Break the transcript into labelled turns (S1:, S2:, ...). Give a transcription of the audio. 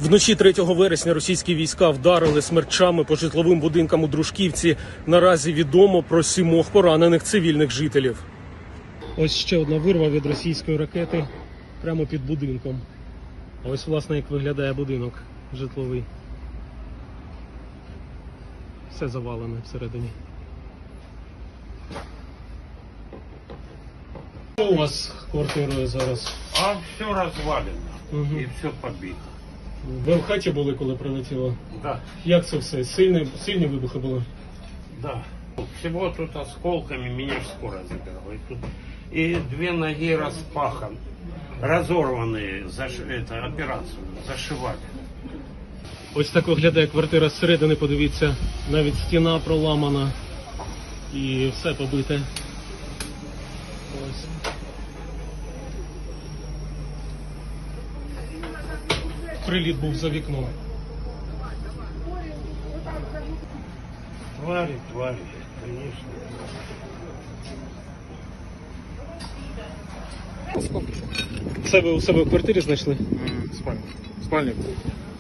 S1: Вночі 3 вересня російські війська вдарили смерчами по житловим будинкам у Дружківці. Наразі відомо про 7 поранених цивільних жителів. Ось ще одна вирва від російської ракети прямо під будинком. Ось, власне, як виглядає будинок житловий. Все завалене всередині. Що у вас з квартирою зараз?
S2: А все развалено и все побито.
S1: Ви в хаті були, коли прилетіло?
S2: Да,
S1: Як це все? Сильні вибухи були?
S2: да. Всего тут осколками меня скоро забирала. И 2 ноги распаханы, разорванные, операцию зашивали.
S1: Ось так виглядає квартира зсередини, подивіться. Навіть стіна проламана і все побите. Ось. Приліт був за вікном.
S2: Твари, конечно.
S1: Це ви у себе в квартирі знайшли?
S3: Спальник.